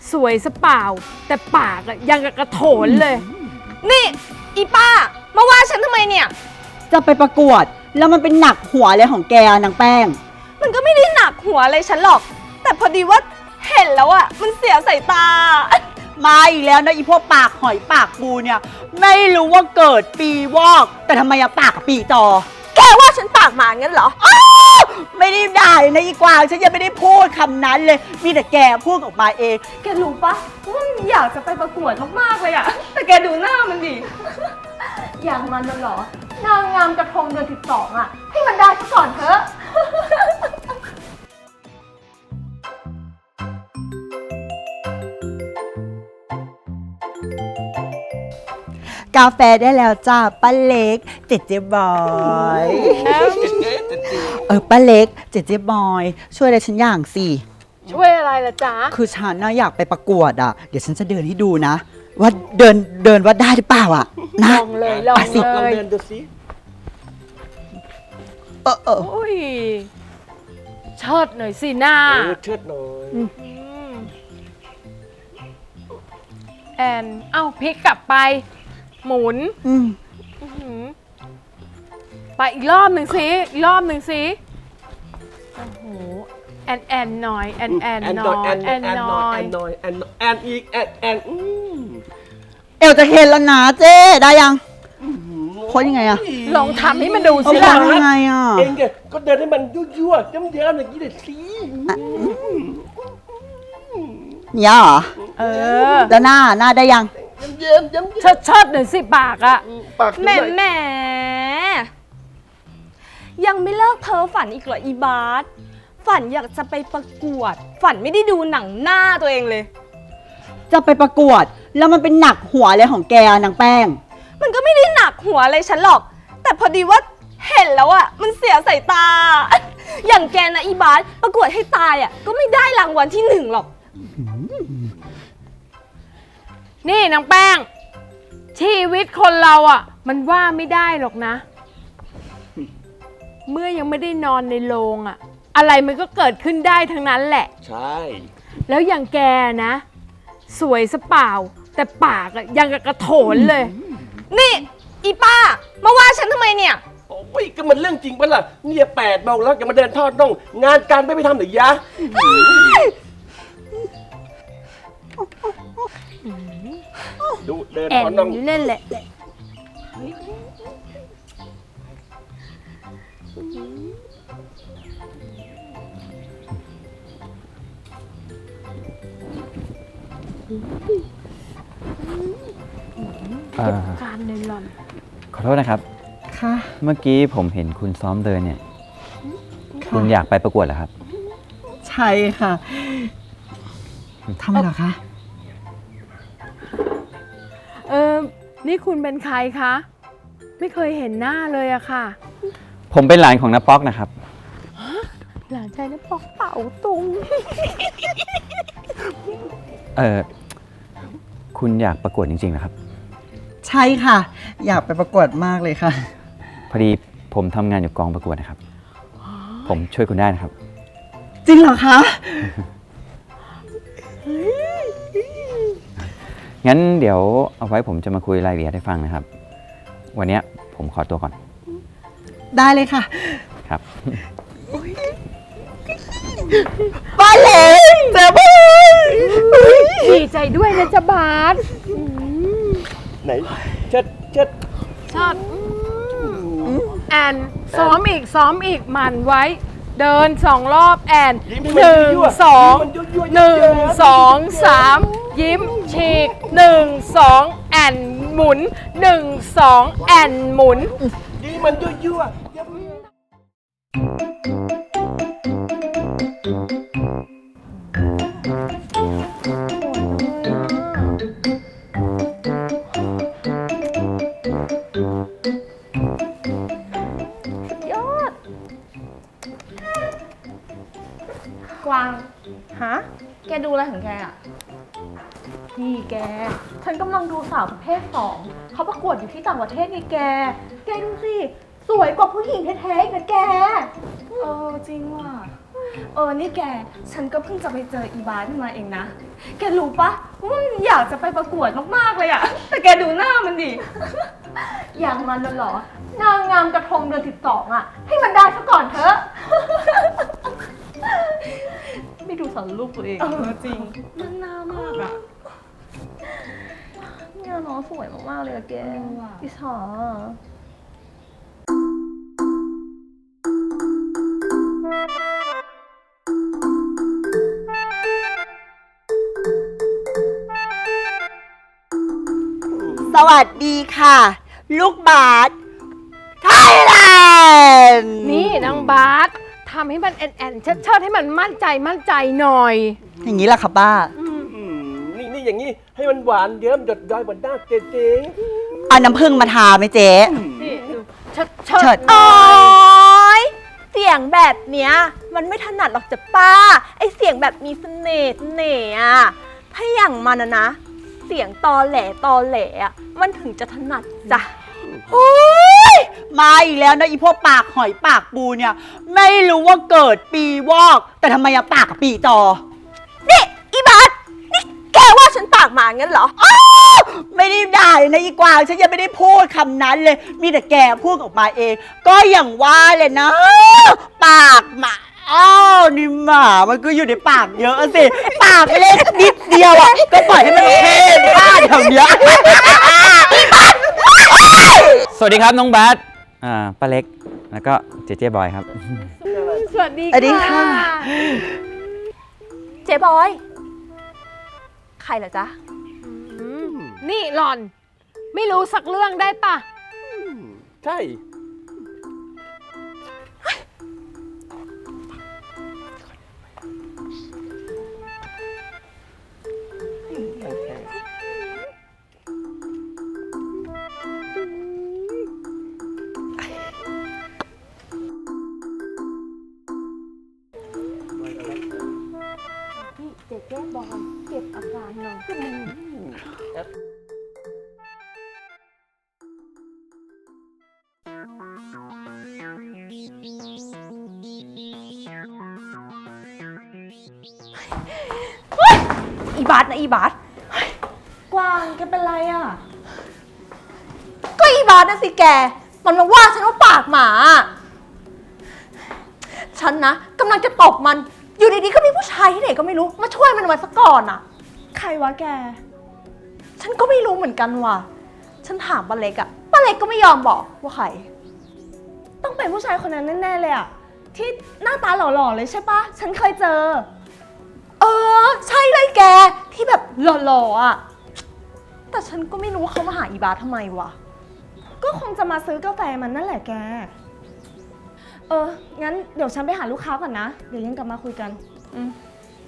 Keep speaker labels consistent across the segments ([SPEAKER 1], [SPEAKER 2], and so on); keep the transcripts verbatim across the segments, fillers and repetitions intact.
[SPEAKER 1] สวยซะเปล่าแต่ปากอะยังกับกระโถนเลย
[SPEAKER 2] นี่อีป้ามาว่าฉันทำไมเนี่ย
[SPEAKER 3] จะไปประกวดแล้วมันเป็นหนักหัวเลยของแกนางแป้ง
[SPEAKER 2] มันก็ไม่ได้หนักหัวอะไรฉันหรอกแต่พอดีว่าเห็นแล้วอะมันเสียสายตา
[SPEAKER 3] มาอีกแล้วนะอีพวกปากหอยปากปูเนี่ยไม่รู้ว่าเกิดปีวอกแต่ทำไมอะปากกับปีจอ
[SPEAKER 2] แกว่าฉันปากหมางั้นเหรอ
[SPEAKER 3] ไม่ได้ด่านะอีกวางฉันยังไม่ได้พูดคำนั้นเลยมีแต่แกพูดออกมาเอง
[SPEAKER 2] แกรู้ปะว่ามันอยากจะไปประกวดมากๆเลยอะแต่แกดูหน้ามันดิอย่างมันน่ะเหรอนางงามกระทงเดือนสิบสองอะให้มันได้ซะก่อนเถอะ
[SPEAKER 3] กาแฟได้แล้วจ้าป้าเล็กเจเจบอยเออป้าเล็กเจเจบอยช่วยอะไรฉันอย่างสิ
[SPEAKER 1] ช่วยอะไรล่ะจ๊ะ
[SPEAKER 3] คือฉันน่ะอยากไปประกวดอ่ะเดี๋ยวฉันจะเดินให้ดูนะว่าเดินเดินว่าได้หรือเปล่าอ่ะนะ
[SPEAKER 1] ลองเลยลองเลย
[SPEAKER 4] ลองเดินดูสิ
[SPEAKER 3] เออเออ
[SPEAKER 1] โอ้ยเชิดหน่อยสิหน้า
[SPEAKER 4] เออเชิดหน่อย
[SPEAKER 1] แอนเอ้าพลิกกลับไปหมุนไปอีกรอบหนึ่งสิอีกรอบหนึ่งสิโอ้โหแอนแอนหน่อยแอนแอนหน่อย
[SPEAKER 4] แอนหน่อยแอนหน่อยแอนแอนอีกแอนแอน
[SPEAKER 3] เอวจะเห็นแล้วนะเจ๊ได้ยังโค้ดยังไงอะ
[SPEAKER 1] ลองทำให้มันดูสิ
[SPEAKER 3] ล่ะยังไงอะ
[SPEAKER 4] เองก็เดินให้มันยั่วๆย้ำๆอย่างนี้เลยสิ
[SPEAKER 3] เนี่ยเหรอ
[SPEAKER 1] เออ
[SPEAKER 3] แล้วหน้าหน้าได้ยัง
[SPEAKER 4] เยิ้มเยิ้ม
[SPEAKER 1] เชิดเชิดหน่อยสิปากอะ
[SPEAKER 2] แหม่แหม่ยังไม่เลิกเพ้อฝันอีกเหรออีบาสฝันอยากจะไปประกวดฝันไม่ได้ดูหนังหน้าตัวเองเลย
[SPEAKER 3] จะไปประกวดแล้วมันเป็นหนักหัวเลยของแกนางแป้ง
[SPEAKER 2] มันก็ไม่ได้หนักหัวอะไรฉันหรอกแต่พอดีว่าเห็นแล้วอะมันเสียสายตาอย่างแกนะอีบาสประกวดให้ตายอะก็ไม่ได้รางวัลที่หนึ่งหรอก
[SPEAKER 1] นี่นางแป้งชีวิตคนเราอ่ะมันว่าไม่ได้หรอกนะเมื่อยังไม่ได้นอนในโรงอ่ะอะไรมันก็เกิดขึ้นได้ทั้งนั้นแหละ
[SPEAKER 4] ใช่
[SPEAKER 1] แล้วอย่างแกนะสวยซะเปล่าแต่ปากอ่ะยังกับกระโถนเลย
[SPEAKER 2] นี่อีป้ามาว่าฉันทำไมเนี่ย
[SPEAKER 4] โอ้ยก็มันเรื่องจริงปะล่ะเนี่ยแปดโมงแล้วจะมาเดินทอดน่องงานการไม่ไปทำหรือยะดูเดินทอดน่อง
[SPEAKER 1] เล่นแหละการในหล่อน
[SPEAKER 5] ขอโทษนะครับ
[SPEAKER 3] ค่ะ
[SPEAKER 5] เมื่อกี้ผมเห็นคุณซ้อมเดินเนี่ยคุณอยากไปประกวดเหรอครับ
[SPEAKER 3] ใช่ค่ะทำไมเหรอคะ
[SPEAKER 1] เออนี่คุณเป็นใครคะไม่เคยเห็นหน้าเลยอะค่ะ
[SPEAKER 5] ผมเป็นหลานของน้าป๊อกนะครับ
[SPEAKER 1] หลานชายน้าป๊อกเป่าตุง
[SPEAKER 5] เออคุณอยากประกวดจริงๆเหรอครับ
[SPEAKER 3] ใช่ค่ะอยากไปประกวดมากเลยค่ะ
[SPEAKER 5] พอดีผมทำงานอยู่กองประกวดนะครับผมช่วยคุณได้นะครับ
[SPEAKER 3] จริงเหรอคะ
[SPEAKER 5] งั้นเดี๋ยวเอาไว้ผมจะมาคุยรายละเอียดให้ฟังนะครับวันนี้ผมขอตัวก่อน
[SPEAKER 3] ได้เลยค่ะ
[SPEAKER 5] ครับ
[SPEAKER 3] ป้าเล็กเจ้าบ้าน
[SPEAKER 1] ดีใจด้วยนะจ๊ะบาส
[SPEAKER 4] ไหนเชิดเชิด
[SPEAKER 1] ชอบแอนซ้อมอีกซ้อมอีกมันไว้เดินสองรอบแอนหนึ่งสองหนึ่งสองสามยิ้มฉีกหนึ่งสองแอนหมุนหนึ่งสองแอนหมุน
[SPEAKER 4] ดีมันยั่วๆ
[SPEAKER 2] กวางฮะแกดูอะไรของแกอ่ะนี่แกฉันกำลังดูสาวประเภทสองเขาประกวดอยู่ที่ต่างประเทศไงแกแกดูสิสวยกว่าผู้หญิงแท้ๆอีกนะแกเออจริงว่ะเออ นี่แก ฉันก็เพิ่งจะไปเจออีบาสมาเองนะ แกรู้ปะว่ามันอยากจะไปประกวดมากๆเลยอะแต่แกดูหน้ามันดิ อย่างมันน่ะเหรอ นางงามกระทงเดือนสิบสองอะให้มันได้ซะก่อนเถอะ
[SPEAKER 1] ไม่ดูสารรูปตัวเอง
[SPEAKER 2] เออจริงมันหน้ามากอะเนี่ยน้องสวยมากๆเลยอะแกอิจฉา
[SPEAKER 3] สวัสดีค่ะ ลูกบาสไทยแลนด์
[SPEAKER 1] นี่นางบาสทำให้มันแอนแอนเชิดเชิดให้มันมั่นใจมั่นใจหน่อย
[SPEAKER 3] อย่างนี้ล่ะค่ะป้า
[SPEAKER 4] อืมนี่นี่อย่างนี้ให้มันหวานเยิ้มหยดย้อยบนหน้าเจ๊
[SPEAKER 3] เอาน้ำผึ้งมาทาไหมเจ๊
[SPEAKER 1] นี่ดูเชิดเชิ
[SPEAKER 3] เฉิ
[SPEAKER 1] ด
[SPEAKER 3] ด
[SPEAKER 2] โอ๊ยเสียงแบบเนี้ยมันไม่ถนัดหรอกจ้ะป้า ไอเสียงแบบมีเสน่ห์เสน่ห์อะถ้าอย่างมันอะนะ เสียงตอแหลตอแหลอะมันถึงจะถนัดจ้ะ
[SPEAKER 3] โอ้ยมาอีกแล้วนะอีพวกปากหอยปากปูเนี่ย ไม่รู้ว่าเกิดปีวอก แต่ทำไมอะปากกับปีจอ
[SPEAKER 2] นี่อีบาสนี่แกว่าฉันปากหมางั้นเหรอ
[SPEAKER 3] อ้าวไม่ได้ด่าเลยนะอีกวางฉันยังไม่ได้พูดคำนั้นเลย มีแต่แกพูดออกมาเอง ก็อย่างว่าเลยนะ ปากหมาอ้าวนี่หมามันก็อยู่ในปากเยอะสิ ปากไม่เล็กนิดเดียวอ่ะก็ปล่อยให้มันเพ่นพ่านแถวเนี้ย
[SPEAKER 5] สวัสดีครับน้องบาสอ่าป้าเล็กแล้วก็เจเจบอยครับ
[SPEAKER 1] สวัสดี
[SPEAKER 3] สวัสดีค่ะ
[SPEAKER 2] เจ๊บอย ใครเหรอจ๊ะ
[SPEAKER 1] อืมนี่หล่อน ไม่รู้สักเรื่องได้ปะ
[SPEAKER 4] ใช่
[SPEAKER 2] พี่เจ๊แก้บอยเก็บอาการหน่อย อีบาสนะอีบาสเฮ้ยกวางแกเป็นไรอ่ะ ก็อีบาสนะสิแก มันมาว่าฉันว่าปากหมา ฉันนะกำลังจะตบมัน อยู่ดีๆก็มีผู้ชายที่ไหนก็ไม่รู้ มาช่วยมันไว้ซะก่อนอ่ะ ใครวะแก ฉันก็ไม่รู้เหมือนกันว่ะ ฉันถามป้าเล็กอะป้าเล็กก็ไม่ยอมบอกว่าใคร ต้องเป็นผู้ชายคนนั้นแน่ๆเลยอะที่หน้าตาหล่อๆเลยใช่ปะฉันเคยเจอ เออ ใช่เลยแกที่แบบหล่อๆอะแต่ฉันก็ไม่รู้ว่าเขามาหาอีบาสทำไมวะก็คงจะมาซื้อกาแฟมันนั่นแหละแก เอองั้นเดี๋ยวฉันไปหาลูกค้าก่อนนะเดี๋ยวยังกลับมาคุยกันอืม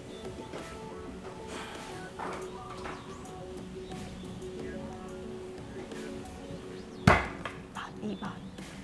[SPEAKER 2] บาทอีบาท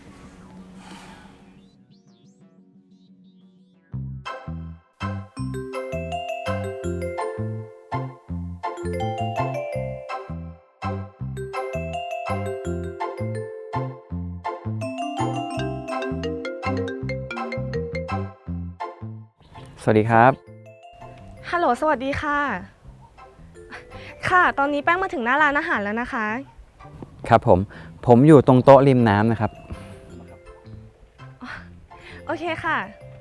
[SPEAKER 5] สวัสดีครับ
[SPEAKER 2] ฮัลโหลสวัสดีค่ะ ค่ะ ตอนนี้แป้งมาถึงหน้าร้านอาหารแล้วนะคะ
[SPEAKER 5] ครับผม ผมอยู่ตรงโต๊ะริมน้ำนะครับ
[SPEAKER 2] โอเคค่ะ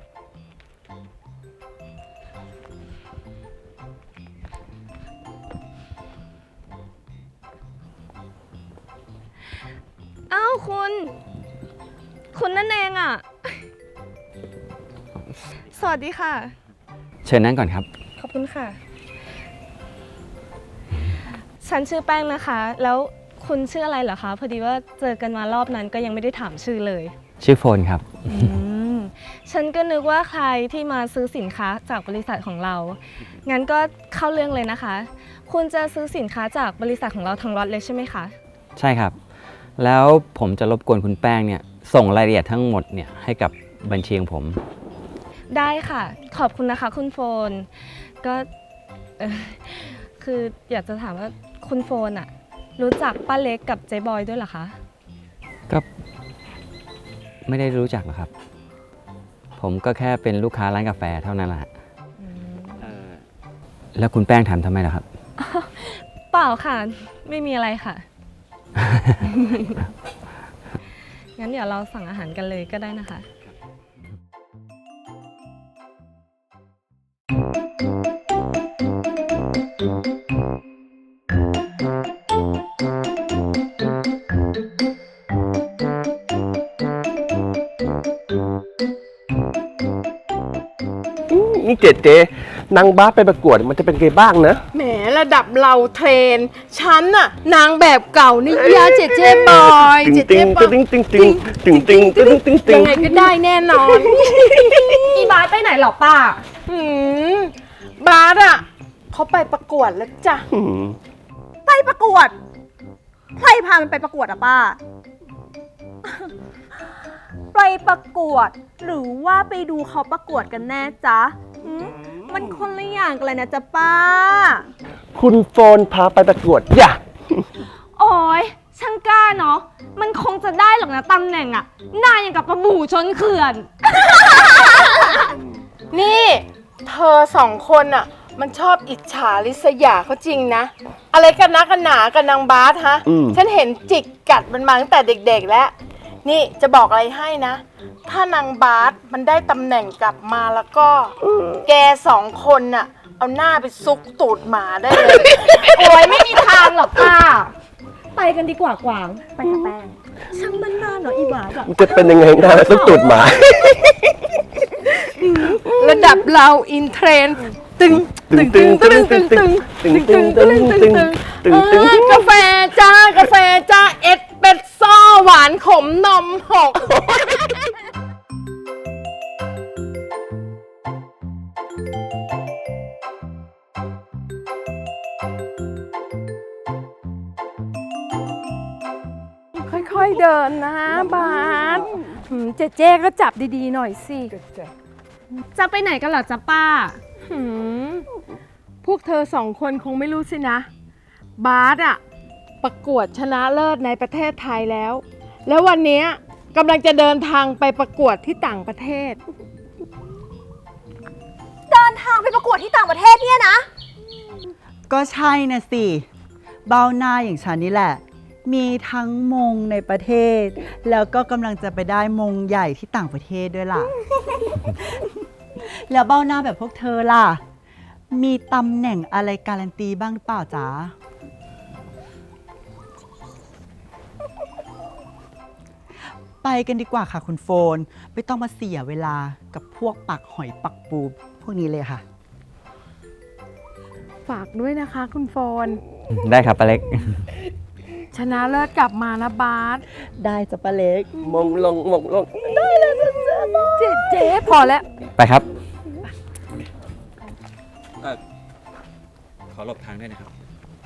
[SPEAKER 2] อ้าวคุณ คุณนั่นเองอ่ะ สวัสดีค่ะ
[SPEAKER 5] เชิญนั่งก่อนครับ
[SPEAKER 2] ขอบคุณค่ะ ฉันชื่อแป้งนะคะ แล้วคุณชื่ออะไรเหรอคะ พอดีว่าเจอกันมารอบนั้นก็ยังไม่ได้ถามชื่อเลย
[SPEAKER 5] ชื่อโฟนครับ
[SPEAKER 2] อืม ฉันก็นึกว่าใครที่มาซื้อสินค้าจากบริษัทของเรา งั้นก็เข้าเรื่องเลยนะคะ คุณจะซื้อสินค้าจากบริษัทของเราทั้งล็อตเลยใช่ไหมคะ
[SPEAKER 5] ใช่ครับ แล้วผมจะรบกวนคุณแป้งเนี่ยส่งรายละเอียดทั้งหมดเนี่ยให้กับบัญชีของผม
[SPEAKER 2] ได้ค่ะ ขอบคุณนะคะคุณโฟน ก็เอ่อคืออยากจะถามว่าคุณโฟนอะรู้จักป้าเล็กกับเจ๊บอยด้วยเหรอคะ
[SPEAKER 5] ก็ไม่ได้รู้จักหรอกครับผมก็แค่เป็นลูกค้าร้านกาแฟเท่านั้นแหละเอ่อแล้วคุณแป้งถามทำไมล่ะครับ
[SPEAKER 6] เปล่าค่ะ ไม่มีอะไรค่ะ งั้นเดี๋ยวเราสั่งอาหารกันเลยก็ได้นะคะ
[SPEAKER 4] นี่เจเจนางบ้าไปประกวดมันจะเป็นไงบ้างนะ
[SPEAKER 1] แหมระดับเราเทรน ฉันน่ะ นางแบบเก่านี่ยาเจเจบอยเจเจ
[SPEAKER 4] ตึง
[SPEAKER 1] บอ
[SPEAKER 4] ตึ
[SPEAKER 1] ย
[SPEAKER 4] งตึงตึงตึงตึงตึงตึงตึ
[SPEAKER 1] ยัง งไงก็ได้แน่นอน
[SPEAKER 2] อีบาสไปไหนหรอป้า
[SPEAKER 1] หืมบาสอ่ะเขาไปประกวดแล้วจ้ะ
[SPEAKER 4] อืม
[SPEAKER 2] ไปประกวด ใครพามันไปประกวดอะป้า ไปประกวด หรือว่าไปดูเขาประกวดกันแน่จ๊ะหืมมันคนละอย่างกันเลยนะจ๊ะป้า
[SPEAKER 4] คุณโฟนพาไปประกวดอย่า
[SPEAKER 6] โอ้ยช่างกล้าเนาะ มันคงจะได้หรอกนะตำแหน่งอะหน้าอย่างกับปลาบู่ชนเขื่อน
[SPEAKER 1] นี่ เธอสองคนอ่ะ มันชอบอิจฉาริษยาเขาจริงนะ อะไรกันนะกันหนากับนางบาสฮะ
[SPEAKER 4] อืม
[SPEAKER 1] ฉันเห็นจิกกัดมันมาตั้งแต่เด็กๆแล้ว นี่จะบอกอะไรให้นะ ถ้านางบาสมันได้ตำแหน่งกลับมาแล้วก็ แกสองคนน่ะ เอาหน้าไปซุกตูดหมาได้เลย
[SPEAKER 2] โอ้ยไม่มีทางหรอกป้า ไปกันดีกว่ากวาง ไปกับแป้งช่างมันนานเนาะอีบาสอะ
[SPEAKER 4] มันจะเป็นยังไงนะต้องตูดหมา
[SPEAKER 1] ระดับเราอินเทรนด์ตึงตึงตึงตึงตึงตึงตึงตึงตึงตึงตึงตึงตึงกาแฟจ้ากาแฟจ้าเอสเปรสโซ่หวานขมนมหก ค่อยๆเดินนะบาสหืมเจ๊เจ๊ก็จับดีๆหน่อยสิ
[SPEAKER 6] จะไปไหนกันเหรอจ๊ะป้า
[SPEAKER 1] หืมพวกเธอสองคนคงไม่รู้สินะ บาสอะประกวดชนะเลิศในประเทศไทยแล้ว แล้ววันนี้กำลังจะเดินทางไปประกวดที่ต่างประเทศ
[SPEAKER 2] เดินทางไปประกวดที่ต่างประเทศเนี่ยนะ
[SPEAKER 3] ก็ใช่นะสิ เบ้าหน้าอย่างฉันนี่แหละ มีทั้งมงในประเทศ แล้วก็กำลังจะไปได้มงใหญ่ที่ต่างประเทศด้วยล่ะ แล้วเบ้าหน้าแบบพวกเธอล่ะ มีตำแหน่งอะไรการันตีบ้างหรือเปล่าจ๊ะ ไปกันดีกว่าค่ะคุณโฟน ไม่ต้องมาเสียเวลากับพวกปักหอยปักปูพวกนี้เลยค่ะ
[SPEAKER 1] ฝากด้วยนะคะคุณโฟน
[SPEAKER 5] ได้ครับป้าเล็ก
[SPEAKER 1] ชนะเลิศกลับมานะบาส
[SPEAKER 3] ได้จ้ะป้าเล็ก
[SPEAKER 4] มองลงมองลง
[SPEAKER 1] เจ๊เจ๊พอแล้ว
[SPEAKER 5] ไปครับขอหลบทางด้วยนะครับ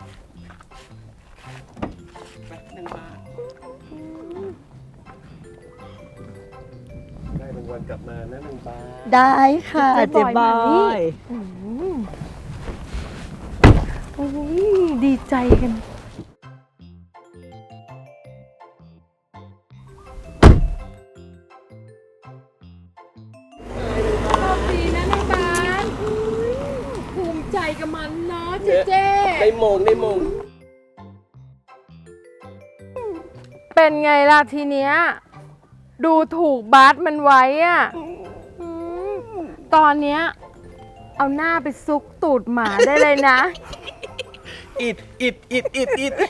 [SPEAKER 4] ได้รางวัลกลับมานะนางบ้า
[SPEAKER 3] ได้ค่ะ
[SPEAKER 1] เจ๊
[SPEAKER 3] เจ๊
[SPEAKER 1] บบ อ
[SPEAKER 3] อย ย
[SPEAKER 1] โอ้ยดีใจกันดีนะนางบาสภูมิใจกับมันเนาะเจ๊เจ๊
[SPEAKER 4] ได้มงได้มง
[SPEAKER 1] เป็นไงล่ะทีเนี้ย ดูถูกบาสมันไว้อะอืมตอนเนี้ย เอาหน้าไปซุกตูดหมาได้เลยนะ
[SPEAKER 4] อิดอิดอิดอิดอิด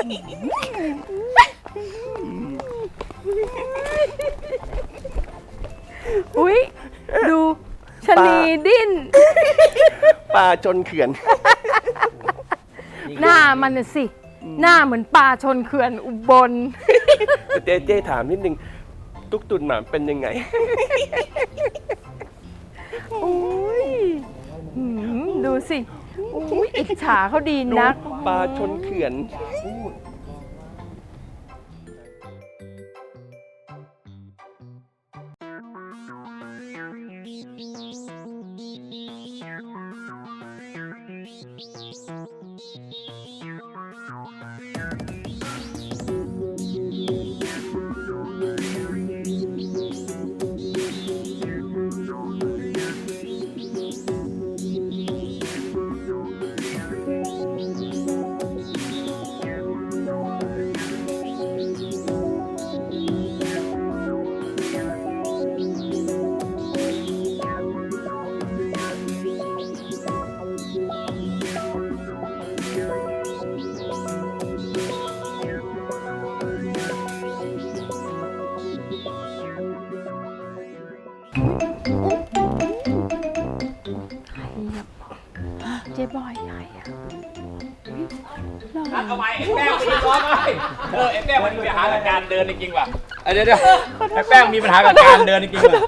[SPEAKER 1] อุ๊ย ดูชะนีดิ้น
[SPEAKER 4] ปลาจนเขื่อน
[SPEAKER 1] หน้ามันน่ะสิ หน้าเหมือนปลาชนเขื่อนอุบล
[SPEAKER 4] เจ๊เจ๊ถามนิดนึง ตุ๊กตุนหมาเป็นยังไง
[SPEAKER 1] อุ้ยหืมดูสิ อุ้ยอิจฉาเขาดีนัก
[SPEAKER 4] ปลาชนเขื่อน
[SPEAKER 7] เอาไว้ไอ้แป้งไปร้อนไปเออไอ้แป้งมันมีปัญหากับการเดินจริงๆว่ะเดี๋ยวเดี๋ยวไอ้แป้งมีปัญหากับการเดินจริงๆว่ะ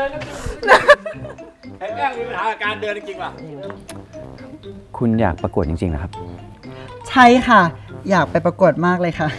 [SPEAKER 7] ไอ้แป้งมีปัญหากับการเดินจริงๆว่ะ
[SPEAKER 5] คุณอยากประกวดจริงๆนะครับ
[SPEAKER 3] ใช่ค่ะ อยากไปประกวดมากเลยค่ะ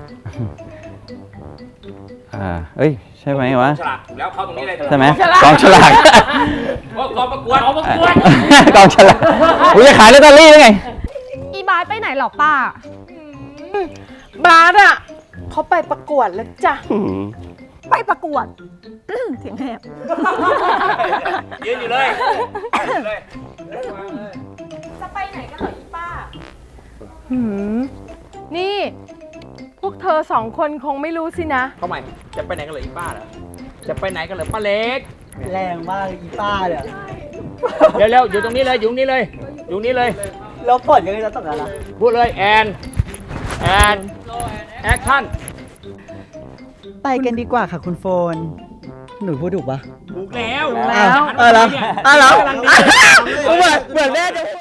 [SPEAKER 5] อ่า เอ้ย ใช่ไหมวะ
[SPEAKER 7] ฉลากแล้วเข้าตรงนี้เลย
[SPEAKER 5] ใช่ไหมกองฉลาก
[SPEAKER 7] ว่ากองประกวดกองประกวด
[SPEAKER 5] กองฉลากอุ้ยจะขายลอตเตอรี่ได้ไง
[SPEAKER 6] อีบายไปไหนหรอป้า
[SPEAKER 1] บาสอ่ะเขาไปประกวดแล้วจ้ะ
[SPEAKER 2] ไปประกวด เสียงแหบ
[SPEAKER 7] ยืนอยู่เลยยืนอยู่เลย
[SPEAKER 1] จะไปไหนกันเหรออีป้าหืมนี่ พวกเธอสองคนคงไม่รู้สินะ
[SPEAKER 7] เข้าใหม่จะไปไหนกันเหรออีป้าเหรอจะไปไหนกันเหรอป้าเล็ก
[SPEAKER 3] แรงมากอีป้าเนี่ย
[SPEAKER 7] เร็วๆอยู่ตรงนี้เลยอยู่ตรงนี้เลยอยู่ตรงนี้เลย
[SPEAKER 3] แล้วผลยังไงจะต้องอะไรล่ะ
[SPEAKER 7] พูดเลยแอนแอนแอคชั่น
[SPEAKER 3] ไปกันดีกว่าค่ะคุณโฟน หนูพูดถูกปะ
[SPEAKER 7] ถูกแล้ว
[SPEAKER 3] อ้าวเออเหรออ้าวเหรอเหมือนเหมือนแม่จะ